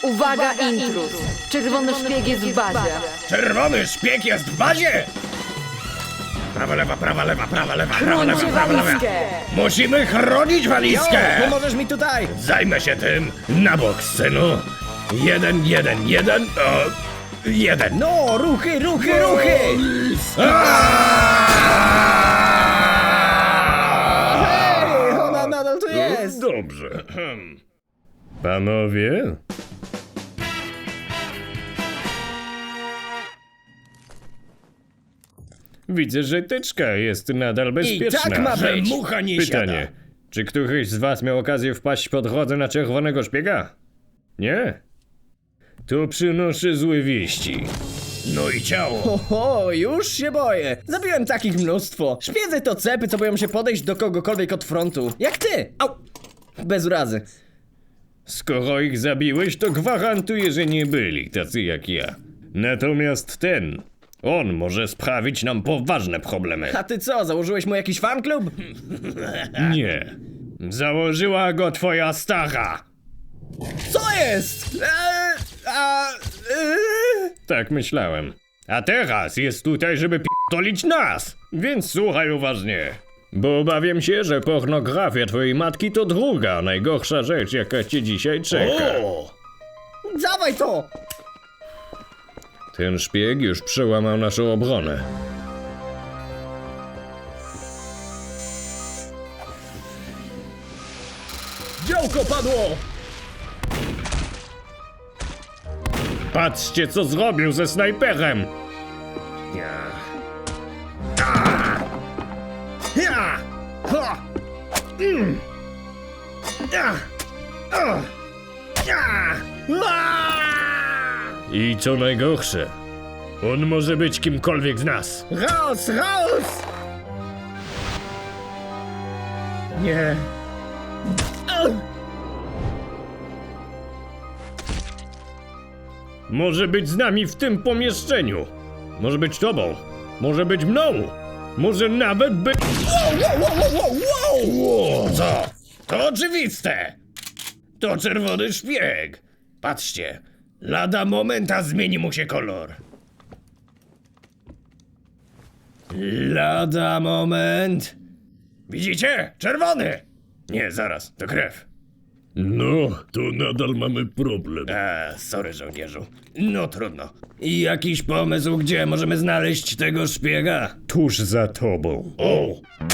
Uwaga, intruz! Czerwony szpieg jest w bazie. Czerwony szpieg jest w bazie! Prawa, lewa, prawa, lewa, prawa, lewa, prawa, lewa, Chrońcie prawa, lewa. walizkę! Musimy chronić walizkę! Pomożesz mi tutaj! Zajmę się tym na bok, synu. 1, 1, 1, 1. No, ruchy, ruchy, ruchy! Hej, ona nadal tu jest! Dobrze. Panowie? Widzę, że teczka jest nadal bezpieczna. tak ma że być. mucha nie Pytanie. siada. Czy któryś z was miał okazję wpaść po drodze na czerwonego szpiega? Nie? To przynoszę złe wieści. No i ciało. Oho, już się boję. Zabiłem takich mnóstwo. Szpiedzy to cepy, co boją się podejść do kogokolwiek od frontu. Jak ty! Au! Bez urazy. Skoro ich zabiłeś, to gwarantuję, że nie byli tacy jak ja. Natomiast ten, on może sprawić nam poważne problemy. A ty co, założyłeś mu jakiś fanklub? Nie. Założyła go twoja stara. Co jest? Tak myślałem. A teraz jest tutaj, żeby p***olić nas. Więc słuchaj uważnie. Bo obawiam się, że pornografia twojej matki to druga najgorsza rzecz, jaka cię dzisiaj czeka. Dawaj to! Ten szpieg już przełamał naszą obronę. Działko padło! Patrzcie, co zrobił ze snajperem! Ja! Ha! I co najgorsze, on może być kimkolwiek z nas. Raus, raus! Nie. Może być z nami w tym pomieszczeniu. Może być tobą. Może być mną. Może nawet być... Wow! Co? To oczywiste! To czerwony szpieg. Patrzcie, lada momenta zmieni mu się kolor. Lada moment. Widzicie? Czerwony! Nie, zaraz, to krew. No, to nadal mamy problem. Sorry żołnierzu. No trudno. I jakiś pomysł, gdzie możemy znaleźć tego szpiega? Tuż za tobą. O!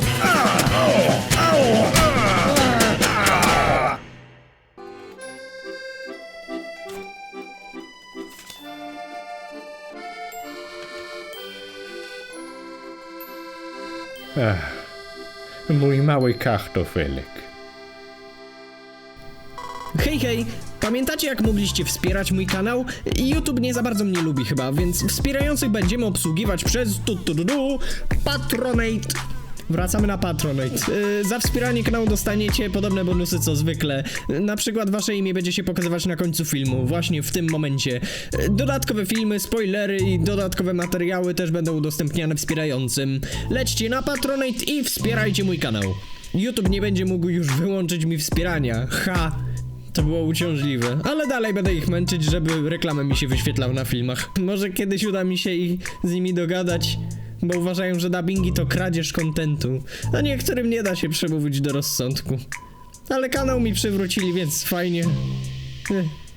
Mój mały kartofelek. Hej, hej! Pamiętacie, jak mogliście wspierać mój kanał? YouTube nie za bardzo mnie lubi chyba, więc wspierających będziemy obsługiwać przez Patronate. Wracamy na Patronate. Za wspieranie kanału dostaniecie podobne bonusy co zwykle. Na przykład wasze imię będzie się pokazywać na końcu filmu, właśnie w tym momencie. Dodatkowe filmy, spoilery i dodatkowe materiały też będą udostępniane wspierającym. Lećcie na Patronate i wspierajcie mój kanał. YouTube nie będzie mógł już wyłączyć mi wspierania. Ha! To było uciążliwe, ale dalej będę ich męczyć, żeby reklamę mi się wyświetlał na filmach. Może kiedyś uda mi się z nimi dogadać, bo uważają, że dubbingi to kradzież kontentu, a niektórym nie da się przemówić do rozsądku. Ale kanał mi przywrócili, więc fajnie.